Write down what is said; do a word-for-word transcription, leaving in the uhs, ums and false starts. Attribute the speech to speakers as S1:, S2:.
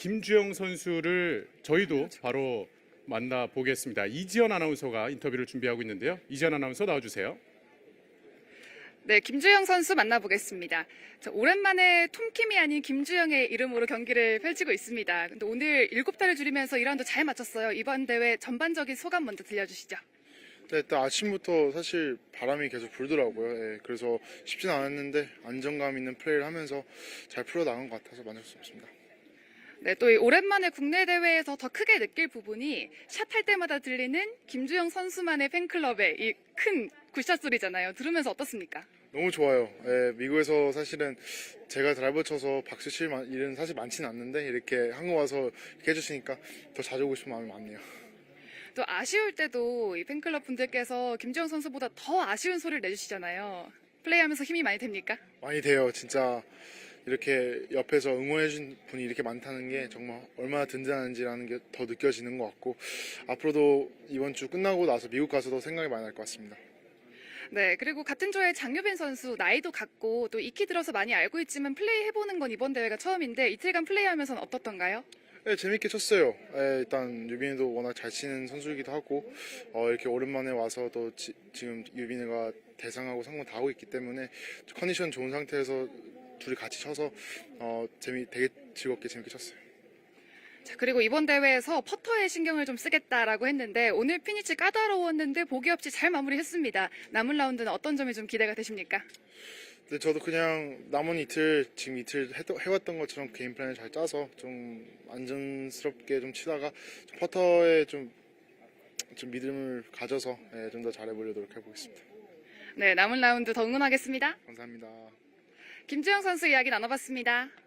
S1: 김주영 선수를 저희도 바로 만나보겠습니다. 이지연 아나운서가 인터뷰를 준비하고 있는데요. 이지연 아나운서 나와주세요.
S2: 네, 김주영 선수 만나보겠습니다. 자, 오랜만에 톰킴이 아닌 김주영의 이름으로 경기를 펼치고 있습니다. 근데 오늘 일곱 달을 줄이면서 이 라운드 잘 맞췄어요. 이번 대회 전반적인 소감 먼저 들려주시죠.
S3: 네, 일단 아침부터 사실 바람이 계속 불더라고요. 예, 그래서 쉽진 않았는데 안정감 있는 플레이를 하면서 잘 풀어나간 것 같아서 만족스럽습니다.
S2: 네, 또 이 오랜만에 국내 대회에서 더 크게 느낄 부분이 샷할 때마다 들리는 김주영 선수만의 팬클럽의 이 큰 굿샷 소리잖아요. 들으면서 어떻습니까?
S3: 너무 좋아요. 예, 미국에서 사실은 제가 드라이버 쳐서 박수 칠 일은 사실 많지는 않는데 이렇게 한국 와서 이렇게 해주시니까 더 자주 오고 싶은 마음이 많네요.
S2: 또 아쉬울 때도 이 팬클럽 분들께서 김주영 선수보다 더 아쉬운 소리를 내주시잖아요. 플레이하면서 힘이 많이 됩니까?
S3: 많이 돼요. 진짜 이렇게 옆에서 응원해준 분이 이렇게 많다는 게 정말 얼마나 든든한지라는 게 더 느껴지는 것 같고 앞으로도 이번 주 끝나고 나서 미국 가서도 생각이 많이 날 것 같습니다.
S2: 네, 그리고 같은 조의 장유빈 선수 나이도 같고 또 익히 들어서 많이 알고 있지만 플레이 해보는 건 이번 대회가 처음인데 이틀간 플레이하면서는 어떻던가요?
S3: 네, 재밌게 쳤어요. 네, 일단 유빈이도 워낙 잘 치는 선수이기도 하고 어, 이렇게 오랜만에 와서 또 지, 지금 유빈이가 대상하고 상무 다 하고 있기 때문에 컨디션 좋은 상태에서 둘이 같이 쳐서 어, 재미 되게 즐겁게 재밌게 쳤어요.
S2: 자, 그리고 이번 대회에서 퍼터에 신경을 좀 쓰겠다라고 했는데 오늘 피니치 까다로웠는데 보기 없이 잘 마무리했습니다. 남은 라운드는 어떤 점이 좀 기대가 되십니까?
S3: 근데 저도 그냥 남은 이틀 지금 이틀 해, 해왔던 것처럼 게임 플랜을 잘 짜서 좀 안전스럽게 좀 치다가 좀 퍼터에 좀, 좀 믿음을 가져서 예, 좀 더 잘해보려고 노력해보겠습니다.
S2: 네, 남은 라운드 더 응원하겠습니다.
S3: 감사합니다.
S2: 김주영 선수 이야기 나눠봤습니다.